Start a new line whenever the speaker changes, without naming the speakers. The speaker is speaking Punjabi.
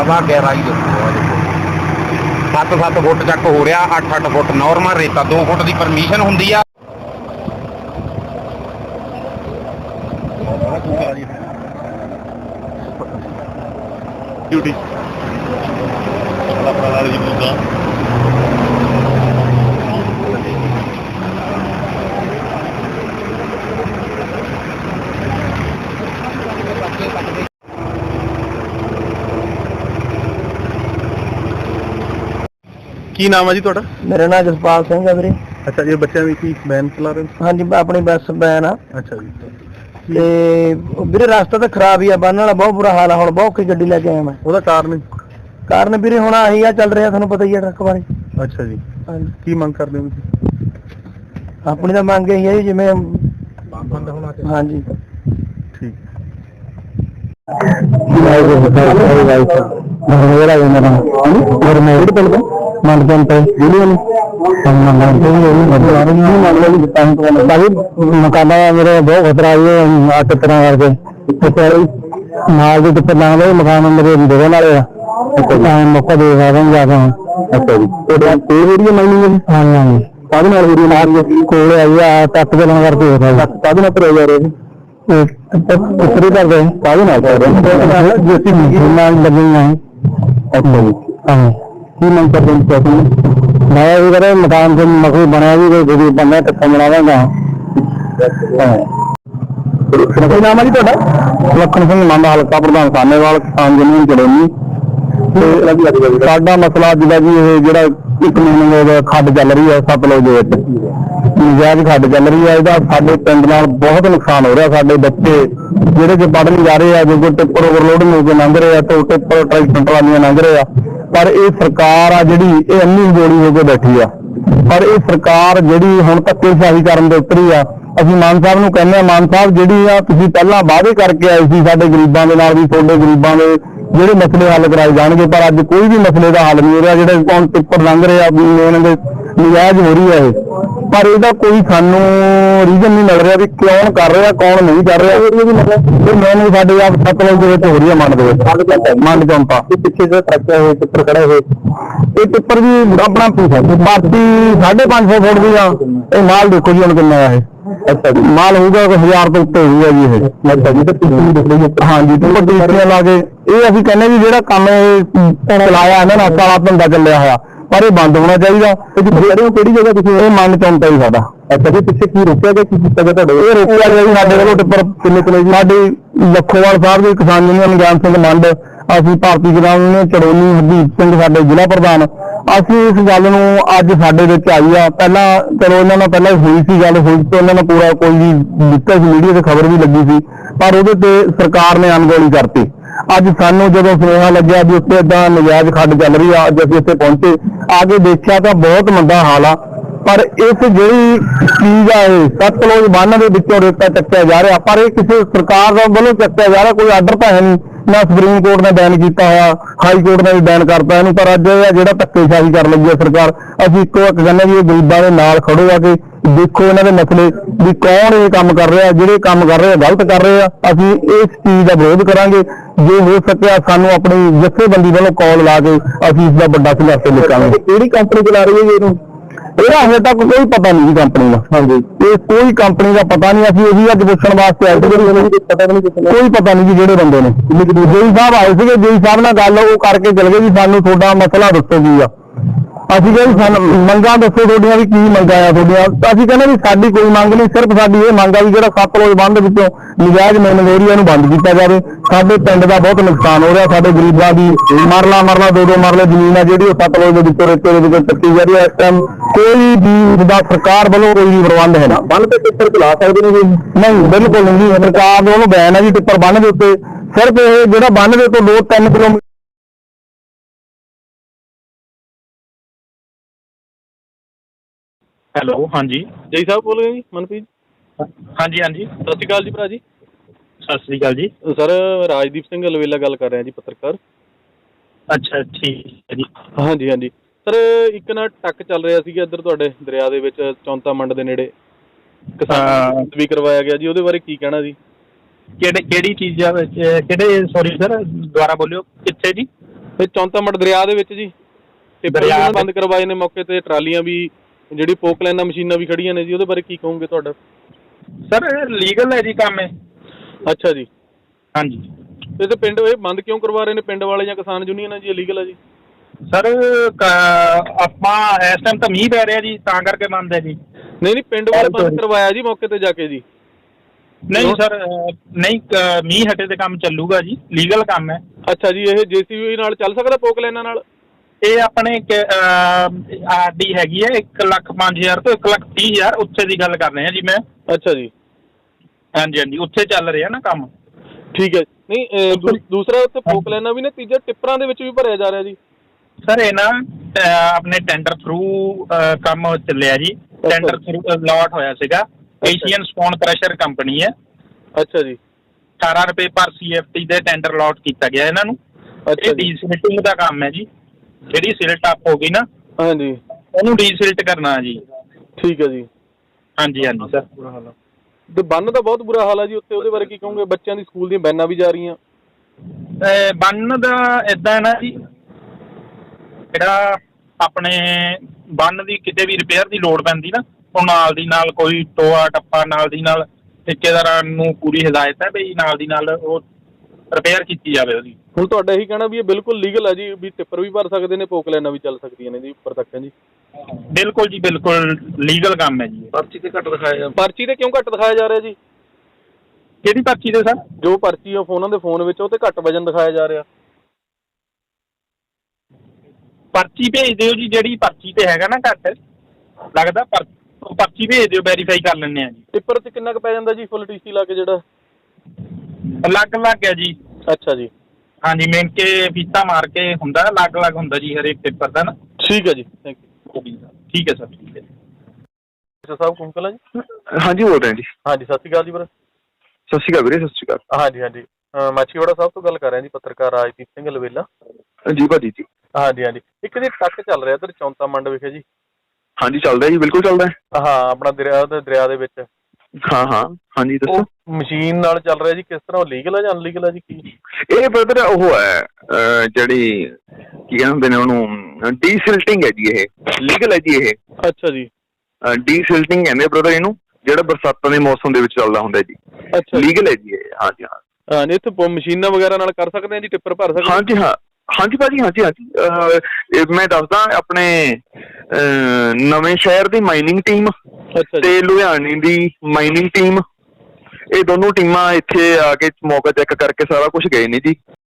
ਵਾ ਗਹਿਰਾਈ ਦੇਖੋ 7-7 ਫੁੱਟ ਚੱਕ ਹੋ ਰਿਹਾ, 8-8 ਫੁੱਟ ਨੋਰਮਲ ਰੇਤਾ, 2 ਫੁੱਟ ਦੀ ਪਰਮਿਸ਼ਨ ਹੁੰਦੀ ਆ।
ਡਿਊਟੀ ਆਪਣਾ ਜੀ ਮੁੱਦਾ ਕੀ ਨਾਮ ਹੈ ਜੀ ਤੁਹਾਡਾ?
ਮੇਰਾ ਨਾਮ ਜਸਪਾਲ ਸਿੰਘ ਹੈ ਵੀਰੇ।
ਅੱਛਾ ਜੀ, ਬੱਚਿਆਂ ਦੀ ਕੀ ਵੈਨ ਚਲਾ ਰਹੇ ਹੋ?
ਹਾਂਜੀ, ਆਪਣੀ ਬੱਸ ਵੈਨ ਆ।
ਅੱਛਾ ਜੀ,
ਤੇ ਵੀਰੇ ਰਸਤਾ ਤਾਂ ਖਰਾਬ ਹੀ ਆ, ਬੰਨ ਵਾਲਾ ਬਹੁਤ ਬੁਰਾ ਹਾਲ ਆ। ਹੁਣ ਬਹੁਤ ਔਖੀ ਗੱਡੀ ਲੈ ਕੇ ਆਇਆ ਮੈਂ।
ਉਹਦਾ
ਕਾਰਨ ਵੀਰੇ ਹੁਣ ਆਹੀ ਆ, ਚੱਲ ਰਿਹਾ ਤੁਹਾਨੂੰ ਪਤਾ ਹੀ ਆ ਟਰੱਕ ਬਾਰੇ।
ਅੱਛਾ ਜੀ,
ਹਾਂਜੀ,
ਕੀ ਮੰਗ ਕਰਦੇ ਹੋ ਤੁਸੀਂ?
ਆਪਣੀ ਤਾਂ ਮੰਗ ਇਹੀ ਹੈ ਜੀ, ਜਿਵੇਂ ਬੰਦ ਹੋਣਾ ਚਾਹੀਦਾ। ਹਾਂਜੀ
ਠੀਕ।
ਮਕਾਨਾ ਮੇਰੇ ਬਹੁਤ ਖਤਰਾ ਅੱਠ ਤਰ੍ਹਾਂ ਕਰਕੇ ਨਾਲ ਦੇ ਟਿੱਪਰ ਲਾ ਲਏ, ਮਕਾਨ ਮੇਰੇ ਦੋਵਾਂ ਵਾਲੇ ਆ। ਮੌਕਾ ਦੇ ਸਕਦੇ ਜਿਆਦਾ। ਅੱਛਾ ਜੀ, ਤੁਹਾਡੀ ਮਾਈਨਿੰਗ? ਹਾਂਜੀ ਹਾਂਜੀ। ਕਾਹਦੇ ਨਾਲ ਹੋ ਰਹੀ ਹੈ? ਕੋਲ ਆਈ ਆ, ਟੱਕ ਦੇ ਨਾਲ ਕਰਕੇ ਹੋ ਰਿਹਾ। ਕਾਹਦੇ ਨਾਲ ਭਰਿਆ ਜਾ ਰਿਹਾ? ਉੱਪਰ ਹੀ ਕਰਦੇ ਕਾਹਦੇ ਨਾਲ ਕਰ ਰਹੇ ਜੇਸੀ ਨਾਲ ਲੱਗੀਆਂ। ਅੱਛਾ ਜੀ, ਹਾਂ। ਕੀ ਮੰਗ ਕਰਦੇ ਹੋ? ਮੈਂ ਇਹ ਕਰੇ ਮਕਾਨ ਦੇ ਮਕਸਦ ਬਣਿਆ ਵੀ ਕੋਈ ਬੰਦਾ ਟੱਕਾ ਬਣਾਵਾਂਗਾ। ਕੀ ਨਾਮ ਹੈ ਜੀ ਤੁਹਾਡਾ? ਲਖਨ ਸਿੰਘ ਮੰਡ, ਹਲਕਾ ਪ੍ਰਧਾਨ ਸਾਨੇਵਾਲ, ਕਿਸਾਨ ਯੂਨੀਅਨ ਚੜੋਨੀ। ਸਾਡਾ ਮਸਲਾ ਜਿਹੜਾ ਜੀ ਇਹ ਜਿਹੜਾ 1 ਮਹੀਨੇ ਖੱਡ ਚੱਲ ਰਹੀ ਹੈ ਸਤਲੁਜ ਦੇ ਵਿੱਚ, ਨਜਾਇਜ਼ ਖੱਡ ਚੱਲ ਰਹੀ ਹੈ। ਇਹਦਾ ਸਾਡੇ ਪਿੰਡ ਨਾਲ ਬਹੁਤ ਨੁਕਸਾਨ ਹੋ ਰਿਹਾ। ਸਾਡੇ ਬੱਚੇ ਜਿਹੜੇ ਕਿ ਪੜ੍ਹਨ ਜਾ ਰਹੇ ਆ, ਜੋ ਟਿੱਪਰ ਓਵਰਲੋਡ ਹੋ ਕੇ ਲੰਘ ਰਹੇ ਆ, ਤੇ ਟਿੱਪਰ ਟਰੈਕਟਰ ਟਰਾਲੀਆਂ ਲੰਘ ਰਹੇ ਆ। ਪਰ ਇਹ ਸਰਕਾਰ ਆ ਜਿਹੜੀ ਇਹ ਇੰਨੀ ਗੋਲੀ ਹੋ ਕੇ ਬੈਠੀ ਆ। ਪਰ ਇਹ ਸਰਕਾਰ ਜਿਹੜੀ ਹੁਣ ਧੱਕੇਸ਼ਾਹੀ ਕਰਨ ਦੇ ਉੱਤਰੀ ਆ। ਅਸੀਂ ਮਾਨ ਸਾਹਿਬ ਨੂੰ ਕਹਿੰਦੇ ਆ, ਮਾਨ ਸਾਹਿਬ ਜਿਹੜੀ ਆ ਤੁਸੀਂ ਪਹਿਲਾਂ ਵਾਅਦੇ ਕਰਕੇ ਆਏ ਸੀ ਸਾਡੇ ਗਰੀਬਾਂ ਦੇ ਨਾਲ ਵੀ ਤੁਹਾਡੇ ਗਰੀਬਾਂ ਦੇ ਜਿਹੜੇ ਮਸਲੇ ਹੱਲ ਕਰਾਏ ਜਾਣਗੇ, ਪਰ ਅੱਜ ਕੋਈ ਵੀ ਮਸਲੇ ਦਾ ਹੱਲ ਨਹੀਂ ਹੋ ਰਿਹਾ। ਜਿਹੜੇ ਹੁਣ ਟਿੱਪਰ ਲੰਘ ਰਹੇ ਆ ਮੇਨ ਨਜਾਇਜ਼ ਹੋ ਰਹੀ ਹੈ ਇਹ, ਪਰ ਇਹਦਾ ਕੋਈ ਸਾਨੂੰ ਰੀਜ਼ਨ ਨਹੀਂ ਮਿਲ ਰਿਹਾ ਵੀ ਕੌਣ ਕਰ ਰਿਹਾ ਕੌਣ ਨਹੀਂ ਕਰ ਰਿਹਾ। ਇਹ ਮੈਨੂੰ ਸਾਡੇ ਆਪ ਸਤਲੁਜ ਦੇ ਵਿੱਚ ਹੋ ਰਹੀ ਹੈ, ਮੰਡ ਦੇ ਵਿੱਚ, ਮੰਡ ਚੌਂਪਾ ਪਿੱਛੇ ਜਿਹੜਾ ਟਰੱਕ ਹੋਏ ਟਿੱਪਰ ਖੜੇ ਹੋਏ, ਇਹ ਟਿੱਪਰ ਵੀ ਆਪਣਾ ਬਾਕੀ 550 ਫੁੱਟ ਦੀ ਆ। ਇਹ ਮਾਲ ਦੇਖੋ ਜੀ ਹੁਣ ਕਿੰਨਾ ਆ ਇਹ। ਅੱਛਾ ਜੀ, ਮਾਲ ਹੋਊਗਾ 1000 ਤੋਂ ਉੱਤੇ ਹੋਊਗਾ ਜੀ ਇਹ। ਅੱਛਾ ਜੀ, ਤੇ ਹਾਂਜੀ ਟਿੱਪਰ ਲਾ ਕੇ ਇਹ ਅਸੀਂ ਕਹਿੰਦੇ ਵੀ ਜਿਹੜਾ ਕੰਮ ਇਹ ਚਲਾਇਆ ਇਹਨਾਂ ਨੇ ਕਾਲਾ ਧੰਦਾ ਚੱਲਿਆ ਹੋਇਆ, ਪਰ ਇਹ ਬੰਦ ਹੋਣਾ ਚਾਹੀਦਾ। ਕਿਹੜੀ ਜਗ੍ਹਾ ਤੁਸੀਂ? ਇਹ ਮੰਨ ਚੌਂਤਾ ਹੀ ਸਾਡਾ। ਅੱਛਾ ਜੀ, ਪਿੱਛੇ ਕੀ ਰੋਕਿਆ ਗਿਆ, ਕੀ ਕੀਤਾ ਗਿਆ ਤੁਹਾਡੇ? ਇਹ ਰੋਕਿਆ ਗਿਆ ਜੀ ਸਾਡੇ ਵੱਲੋਂ ਟਿੱਪਰ ਕਿੰਨੇ ਸਾਡੇ ਲੱਖੋਵਾਲ ਸਾਹਿਬ ਦੇ ਕਿਸਾਨ ਯੂਨੀਅਨ ਗਿਆਨ ਸਿੰਘ ਮੰਡ, ਅਸੀਂ ਭਾਰਤੀ ਕਿਸਾਨ ਯੂਨੀਅਨ ਚੜੋਨੀ ਹਰਦੀਪ ਸਿੰਘ ਸਾਡੇ ਜ਼ਿਲ੍ਹਾ ਪ੍ਰਧਾਨ, ਅਸੀਂ ਇਸ ਗੱਲ ਨੂੰ ਅੱਜ ਸਾਡੇ ਵਿੱਚ ਆਈ ਆ। ਪਹਿਲਾਂ ਚਲੋ ਇਹਨਾਂ ਨਾਲ ਪਹਿਲਾਂ ਹੋਈ ਸੀ ਗੱਲ, ਹੋਈ ਤੇ ਉਹਨਾਂ ਨੇ ਪੂਰਾ ਕੋਈ ਵੀ ਦਿੱਤਾ ਸੀ, ਮੀਡੀਆ ਤੇ ਖਬਰ ਵੀ ਲੱਗੀ ਸੀ, ਪਰ ਉਹਦੇ ਤੇ ਸਰਕਾਰ ਨੇ ਅਣਗੌਲੀ ਕਰਤੀ। ਅੱਜ ਸਾਨੂੰ ਜਦੋਂ ਸੁਨੇਹਾ ਲੱਗਿਆ ਵੀ ਉੱਥੇ ਏਦਾਂ ਨਜਾਇਜ਼ ਖੱਡ ਚੱਲ ਰਹੀ ਆ, ਅੱਜ ਅਸੀਂ ਇੱਥੇ ਪਹੁੰਚੇ, ਆ ਕੇ ਦੇਖਿਆ ਤਾਂ ਬਹੁਤ ਮੰਦਾ ਹਾਲ ਆ। ਪਰ ਇਸ ਜਿਹੜੀ ਚੀਜ਼ ਆ ਇਹ ਸਤਲੁਜ ਬੰਨ੍ਹ ਦੇ ਵਿੱਚੋਂ ਰੇਤਾ ਚੱਕਿਆ ਜਾ ਰਿਹਾ, ਪਰ ਇਹ ਕਿਸੇ ਸਰਕਾਰ ਵੱਲੋਂ ਚੱਕਿਆ ਜਾ ਰਿਹਾ, ਕੋਈ ਆਰਡਰ ਤਾਂ ਹੈ ਨਹੀਂ, ਨਾ ਸੁਪਰੀਮ ਕੋਰਟ ਨੇ ਬੈਨ ਕੀਤਾ ਹੋਇਆ, ਹਾਈ ਕੋਰਟ ਨੇ ਵੀ ਬੈਨ ਕਰਤਾ ਇਹਨੂੰ। ਪਰ ਅੱਜ ਇਹ ਜਿਹੜਾ ਧੱਕੇਸ਼ਾਹੀ ਕਰ ਲੱਗੀ ਹੈ ਸਰਕਾਰ, ਅਸੀਂ ਇੱਕੋ ਇੱਕ ਕਹਿੰਦੇ ਵੀ ਇਹ ਗਰੀਬਾਂ ਦੇ ਨਾਲ ਖੜੋ ਆ ਕੇ ਦੇਖੋ ਇਹਨਾਂ ਦੇ ਮਸਲੇ ਵੀ ਕੌਣ ਇਹ ਕੰਮ ਕਰ ਰਿਹਾ, ਜਿਹੜੇ ਕੰਮ ਕਰ ਰਹੇ ਆ ਗਲਤ ਕਰ ਰਹੇ ਆ। ਅਸੀਂ ਇਸ ਚੀਜ਼ ਦਾ ਵਿਰੋਧ ਕਰਾਂਗੇ। ਜੇ ਹੋ ਸਕਿਆ ਸਾਨੂੰ ਆਪਣੀ ਜਥੇਬੰਦੀ ਵੱਲੋਂ ਕਾਲ ਲਾ ਕੇ ਅਸੀਂ ਇਸ ਦਾ ਵੱਡਾ ਸੰਘਰਸ਼ ਲਿਖਾਂਗੇ। ਕਿਹੜੀ ਕੰਪਨੀ ਚਲਾ ਰਹੀ ਹੈ ਜੀ ਇਹਨੂੰ? ਇਹਦਾ ਹਜੇ ਤੱਕ ਕੋਈ ਪਤਾ ਨਹੀਂ ਜੀ ਕੰਪਨੀ ਦਾ। ਹਾਂਜੀ, ਇਹ ਕੋਈ ਕੰਪਨੀ ਦਾ ਪਤਾ ਨਹੀਂ। ਅਸੀਂ ਇਹੀ ਅੱਜ ਪੁੱਛਣ ਵਾਸਤੇ ਆਏ ਸੀ, ਕੋਈ ਪਤਾ ਨਹੀਂ ਜੀ ਜਿਹੜੇ ਬੰਦੇ ਨੇ। ਜੇਈ ਸਾਹਿਬ ਆਏ ਸੀਗੇ, ਜੇਈ ਸਾਹਿਬ ਨਾਲ ਗੱਲ ਉਹ ਕਰਕੇ ਚਲੇ ਗਏ ਵੀ ਸਾਨੂੰ ਤੁਹਾਡਾ ਮਸਲਾ ਦੱਸੋ ਕੀ ਆ। ਅਸੀਂ ਕਹਿੰਦੇ ਸਾਨੂੰ ਮੰਗਾਂ ਦੱਸੋ ਤੁਹਾਡੀਆਂ ਵੀ ਕੀ ਮੰਗਾਂ ਆ ਤੁਹਾਡੀਆਂ। ਅਸੀਂ ਕਹਿੰਦੇ ਵੀ ਸਾਡੀ ਕੋਈ ਮੰਗ ਨਹੀਂ, ਸਿਰਫ ਸਾਡੀ ਇਹ ਮੰਗ ਆ ਵੀ ਜਿਹੜਾ ਸਤਲੁਜ ਬੰਨ੍ਹ ਵਿੱਚੋਂ ਨਜਾਇਜ਼ ਮਾਈਨਿੰਗ ਹੋ ਰਹੀ ਹੈ ਇਹਨੂੰ ਬੰਦ ਕੀਤਾ ਜਾਵੇ। ਸਾਡੇ ਪਿੰਡ ਦਾ ਬਹੁਤ ਨੁਕਸਾਨ ਹੋ ਰਿਹਾ, ਸਾਡੇ ਗਰੀਬਾਂ ਦੀ ਮਰਲਾ 2-2 ਮਰਲੇ ਜ਼ਮੀਨ ਆ ਜਿਹੜੀ ਉਹ ਸਤਲੁਜ ਦੇ ਵਿੱਚੋਂ ਰੇਤੇ ਦੇ ਵਿੱਚ ਚੱਕੀ ਜਾ ਰਹੀ ਹੈ। ਇਸ ਟਾਈਮ ਕੋਈ ਵੀ ਦਾ ਸਰਕਾਰ ਵੱਲੋਂ ਕੋਈ ਵੀ ਪ੍ਰਬੰਧ ਹੈ ਨਾ। ਬੰਨ੍ਹ ਤੇ ਟਿੱਪਰ ਚਲਾ ਸਕਦੇ ਨੇ ਜੀ? ਨਹੀਂ, ਬਿਲਕੁਲ ਨਹੀਂ ਜੀ, ਸਰਕਾਰ ਵੱਲੋਂ ਬੈਨ ਹੈ ਜੀ ਟਿੱਪਰ ਬੰਨ੍ਹ ਦੇ ਉੱਤੇ। ਸਿਰਫ ਇਹ ਜਿਹੜਾ ਬੰਨ੍ਹ ਦੇ ਤੋਂ 2-3 ਕਿਲੋਮੀਟਰ।
ਹੈਲੋ, ਹਾਂਜੀ ਜੈ ਸਾਹਿਬ ਬੋਲ ਰਹੇ ਜੀ? ਮਨਪ੍ਰੀਤ?
ਹਾਂਜੀ ਹਾਂਜੀ,
ਸਤਿ ਸ਼੍ਰੀ ਅਕਾਲ ਜੀ ਭਰਾ ਜੀ।
ਸਤਿ ਸ੍ਰੀ ਅਕਾਲ ਜੀ
ਸਰ, ਰਾਜਦੀਪ ਸਿੰਘ ਅਲਵੇਲਾ ਗੱਲ ਕਰ ਰਿਹਾ ਜੀ, ਪੱਤਰਕਾਰ।
ਅੱਛਾ, ਠੀਕ ਹੈ ਜੀ।
ਹਾਂਜੀ ਹਾਂਜੀ ਸਰ, ਇੱਕ ਨਾ ਟੱਕ ਚੱਲ ਰਿਹਾ ਸੀਗਾ ਇੱਧਰ ਤੁਹਾਡੇ ਦਰਿਆ ਦੇ ਵਿੱਚ, ਚੌਂਤਾ ਮੰਡ ਦੇ ਨੇੜੇ ਕਿਸਾਨ ਵੀ ਕਰਵਾਇਆ ਗਿਆ ਜੀ, ਉਹਦੇ ਬਾਰੇ ਕੀ ਕਹਿਣਾ ਜੀ?
ਕਿਹੜੀ ਚੀਜ਼ਾਂ ਵਿੱਚ, ਕਿਹੜੇ? ਸੌਰੀ ਸਰ, ਦੁਬਾਰਾ ਬੋਲਿਓ, ਕਿੱਥੇ ਜੀ?
ਤੇ ਚੌਂਤਾਮੰਡ ਦਰਿਆ ਦੇ ਵਿੱਚ ਜੀ ਟਿੱਪਰ
ਦਰਿਆ
ਵੀ
ਦੇ-
ਬੰਦ ਕਰਵਾਏ ਨੇ ਮੌਕੇ ਤੇ, ਟਰਾਲੀਆਂ ਵੀ, ਜਿਹੜੀ ਪੋਕਲਾਈਨਾਂ ਮਸ਼ੀਨਾਂ ਵੀ ਖੜੀਆਂ ਨੇ ਜੀ, ਉਹਦੇ ਬਾਰੇ ਕੀ ਕਹੋਗੇ ਤੁਹਾਡਾ?
ਸਰ ਲੀਗਲ ਹੈ ਜੀ ਕੰਮ ਇਹ।
ਅੱਛਾ ਜੀ।
ਹਾਂਜੀ
ਤੇ ਪਿੰਡ ਇਹ ਬੰਦ ਕਿਉਂ ਕਰਵਾ ਰਹੇ ਨੇ ਪਿੰਡ ਵਾਲੇ ਜਾਂ ਕਿਸਾਨ ਯੂਨੀਅਨ ਹੈ ਜੀ, ਇਲੀਗਲ ਹੈ ਜੀ?
ਸਰ ਆਪਾਂ ਇਸ ਟਾਈਮ ਤਾਂ ਮੀਂਹ ਪੈ ਰਿਹਾ ਜੀ, ਤਾਂ ਕਰਕੇ ਬੰਦ ਹੈ ਜੀ।
ਨਹੀਂ ਪਿੰਡ ਵਾਲੇ ਬੰਦ ਕਰਵਾਇਆ ਜੀ ਮੌਕੇ ਤੇ ਜਾ ਕੇ ਜੀ।
ਨਹੀਂ ਸਰ ਨਹੀਂ, ਮੀਂਹ ਹਟੇ ਤੇ ਕੰਮ ਚੱਲੂਗਾ ਜੀ, ਲੀਗਲ ਕੰਮ ਹੈ।
ਅੱਛਾ ਜੀ, ਇਹ JCB ਨਾਲ ਚੱਲ ਸਕਦਾ ਪੋਕਲਾਈਨਾਂ ਨਾਲ?
ਇਹ ਆਪਣੇ ਆਰਡੀ ਹੈਗੀ ਹੈ 1,05,000 ਤੋਂ 1,30,000, ਉੱਥੇ ਦੀ ਗੱਲ ਕਰ ਰਹੇ ਹਾਂ ਜੀ ਮੈਂ।
ਅੱਛਾ ਜੀ।
ਹਾਂਜੀ ਹਾਂਜੀ, ਉੱਥੇ ਚੱਲ ਰਿਹਾ ਨਾ ਕੰਮ।
ਠੀਕ ਹੈ। ਨਹੀਂ ਦੂਸਰਾ ਉੱਥੇ ਪੋਕਲਾਈਨਾਂ ਵੀ ਨੇ, ਤੀਜਾ ਟਿੱਪਰਾਂ ਦੇ ਵਿੱਚ ਵੀ ਭਰਿਆ ਜਾ ਰਿਹਾ ਜੀ।
ਸਰ ਇਹ ਨਾ ਆਪਣੇ ਟੈਂਡਰ ਥਰੂ ਕੰਮ ਚੱਲਿਆ ਜੀ, ਟੈਂਡਰ ਥਰੂ ਅਲਾਟ ਹੋਇਆ ਸੀਗਾ। ਏਸ਼ੀਅਨ ਸਟੋਨ ਕ੍ਰਸ਼ਰ ਕੰਪਨੀ ਹੈ।
ਅੱਛਾ ਜੀ।
18 ਰੁਪਏ ਪਰ CFT ਦੇ ਟੈਂਡਰ ਅਲਾਟ ਕੀਤਾ ਗਿਆ ਇਹਨਾਂ ਨੂੰ।
ਅੱਛਾ
ਇਹ
ਜੀ।
ਡੀਸਿਲਟਿੰਗ ਦਾ ਕੰਮ ਹੈ ਜੀ, ਜਿਹੜੀ ਸਿਲਟ ਅਪ ਹੋ ਗਈ ਨਾ
ਹਾਂਜੀ।
ਉਹਨੂੰ ਡੀਸਿਲਟ ਕਰਨਾ ਜੀ।
ਠੀਕ ਹੈ ਜੀ।
ਹਾਂਜੀ ਹਾਂਜੀ ਸਰ।
ਤੇ ਬੰਨ ਦਾ ਬਹੁਤ ਬੁਰਾ ਹਾਲ ਹੈ ਜੀ ਉੱਥੇ, ਉਹਦੇ ਬਾਰੇ ਕੀ ਕਹੋਗੇ? ਬੱਚਿਆਂ ਦੀ ਸਕੂਲ ਦੀਆਂ ਵੈਨਾਂ ਵੀ ਜਾ ਰਹੀਆਂ।
ਬੰਨ ਦਾ ਇਦਾਂ ਹੈ ਨਾ ਜੀ, ਜਿਹੜਾ ਆਪਣੇ ਬੰਨ ਦੀ ਕਿਤੇ ਵੀ ਰਿਪੇਅਰ ਦੀ ਲੋੜ ਪੈਂਦੀ ਨਾ, ਉਹ ਨਾਲ ਦੀ ਨਾਲ ਕੋਈ ਟੋਆ ਟੱਪਾ ਨਾਲ ਦੀ ਨਾਲ ਠੇਕੇਦਾਰਾਂ ਨੂੰ ਪੂਰੀ ਹਦਾਇਤ ਹੈ ਵੀ ਨਾਲ ਦੀ ਨਾਲ ਉਹ ਰਿਪੇਅਰ ਕੀਤੀ ਜਾਵੇ ਉਹਦੀ।
ਹੁਣ ਤੁਹਾਡਾ ਇਹੀ ਕਹਿਣਾ ਵੀ ਇਹ ਬਿਲਕੁਲ ਲੀਗਲ ਹੈ ਜੀ, ਵੀ ਟਿੱਪਰ ਵੀ ਭਰ ਸਕਦੇ ਨੇ, ਪੋਕਲਾਈਨਾਂ ਵੀ ਚੱਲ ਸਕਦੀਆਂ ਨੇ ਜੀ ਉੱਪਰ ਤੱਕ ਜੀ?
ਬਿਲਕੁਲ ਜੀ ਬਿਲਕੁਲ ਲੀਗਲ ਕੰਮ ਹੈ ਜੀ।
ਪਰਚੀ ਤੇ ਘੱਟ ਦਿਖਾਇਆ, ਪਰਚੀ ਤੇ ਕਿਉਂ ਘੱਟ ਦਿਖਾਇਆ ਜਾ ਰਿਹਾ ਜੀ?
ਕਿਹੜੀ ਪਰਚੀ ਤੇ ਸਰ?
ਜੋ ਪਰਚੀ ਆ ਫੋਨਾਂ ਦੇ ਫੋਨ ਵਿੱਚ, ਉਹ ਤੇ ਘੱਟ ਵਜਨ ਦਿਖਾਇਆ ਜਾ ਰਿਹਾ।
ਪਰਚੀ ਭੇਜ ਦਿਓ ਜੀ, ਜਿਹੜੀ ਪਰਚੀ ਤੇ ਹੈਗਾ ਨਾ ਘੱਟ ਲੱਗਦਾ, ਉਹ ਪਰਚੀ ਭੇਜ ਦਿਓ, ਵੈਰੀਫਾਈ ਕਰ ਲੈਂਦੇ ਆ ਜੀ।
ਟਿੱਪਰ ਤੇ ਕਿੰਨਾ ਕੁ ਪੈ ਜਾਂਦਾ ਜੀ ਫੁੱਲ TC ਲਾ ਕੇ ਜਿਹੜਾ?
ਅਲੱਗ-ਅਲੱਗ ਹੈ ਜੀ।
ਅੱਛਾ ਜੀ।
ਹਾਂਜੀ, ਮਿਣ ਕੇ ਫੀਤਾ ਮਾਰ ਕੇ ਹੁੰਦਾ, ਅਲੱਗ-ਅਲੱਗ ਹੁੰਦਾ ਜੀ ਹਰੇਕ ਪੇਪਰ ਦਾ ਨਾ।
ਠੀਕ ਹੈ ਜੀ, ਥੈਂਕ ਯੂ।
ਠੀਕ ਹੈ ਸਰ, ਠੀਕ ਹੈ।
ਸਾਹਿਬ ਕੁੰਕਲ ਹੈ ਜੀ?
ਹਾਂਜੀ ਬੋਲ ਰਹੇ ਜੀ।
ਹਾਂਜੀ, ਸਤਿ ਸ਼੍ਰੀ ਅਕਾਲ ਜੀ ਵੀਰੇ।
ਸਤਿ ਸ਼੍ਰੀ ਅਕਾਲ ਵੀਰੇ, ਸਤਿ ਸ਼੍ਰੀ ਅਕਾਲ।
ਹਾਂਜੀ ਹਾਂਜੀ, ਮਾਛੀਵਾੜਾ ਸਾਹਿਬ ਤੋਂ ਗੱਲ ਕਰ ਰਿਹਾ ਜੀ, ਪੱਤਰਕਾਰ ਰਾਜਦੀਪ ਸਿੰਘ ਲਵੇਲਾ।
ਜੀ ਭਾਜੀ ਜੀ।
ਹਾਂਜੀ ਹਾਂਜੀ, ਇੱਕ ਜੀ ਟੱਕ ਚੱਲ ਰਿਹਾ ਇੱਧਰ ਚੌਂਤਾਮੰਡ ਵਿਖੇ ਜੀ।
ਹਾਂਜੀ ਚੱਲਦਾ ਜੀ, ਬਿਲਕੁਲ ਚੱਲਦਾ।
ਹਾਂ, ਆਪਣਾ ਦਰਿਆ ਦੇ ਵਿੱਚ।
ਹਾਂ ਹਾਂ ਹਾਂਜੀ ਦੱਸੋ।
ਮਸ਼ੀਨ ਨਾਲ ਚੱਲ ਰਿਹਾ ਜੀ, ਕਿਸ ਤਰ੍ਹਾਂ ਲੀਗਲ ਹੈ ਜਾਂ ਅਨਲੀਗਲ ਹੈ ਜੀ? ਕੀ
ਇਹ ਬ੍ਰਦਰ ਉਹ ਹੈ ਜਿਹੜੀ ਕੀ ਕਹਿੰਦੇ ਨੇ ਉਹਨੂੰ, ਡੀਸਿਲਟਿੰਗ ਹੈ ਜੀ, ਇਹ ਲੀਗਲ ਹੈ ਜੀ ਇਹ।
ਅੱਛਾ ਜੀ।
ਡੀਸਿਲਟਿੰਗ ਕਹਿੰਦੇ ਬ੍ਰਦਰ ਇਹਨੂੰ, ਜਿਹੜਾ ਬਰਸਾਤਾਂ ਦੇ ਮੌਸਮ ਦੇ ਵਿੱਚ ਚੱਲਦਾ ਹੁੰਦਾ ਜੀ।
ਅੱਛਾ,
ਲੀਗਲ ਹੈ ਜੀ ਇਹ। ਹਾਂਜੀ ਹਾਂ।
ਹਾਂਜੀ, ਇੱਥੇ ਮਸ਼ੀਨਾਂ ਵਗੈਰਾ ਨਾਲ ਕਰ ਸਕਦੇ ਆ ਜੀ, ਟਿੱਪਰ ਭਰ ਸਕਦੇ?
ਹਾਂਜੀ ਹਾਂ, ਹਾਂਜੀ ਭਾਜੀ, ਹਾਂਜੀ ਹਾਂਜੀ। ਮੈਂ ਦੱਸਦਾ, ਆਪਣੇ ਨਵੇਂ ਸ਼ਹਿਰ ਦੀ ਮਾਈਨਿੰਗ ਟੀਮ ਤੇ ਲੁਧਿਆਣੇ ਦੀ ਮਾਈਨਿੰਗ ਟੀਮ, ਇਹ ਦੋਨੋਂ ਟੀਮਾਂ ਇੱਥੇ ਆ ਕੇ ਮੌਕਾ ਚੈੱਕ ਕਰਕੇ ਸਾਰਾ ਕੁਝ ਗਏ ਨੇ ਜੀ।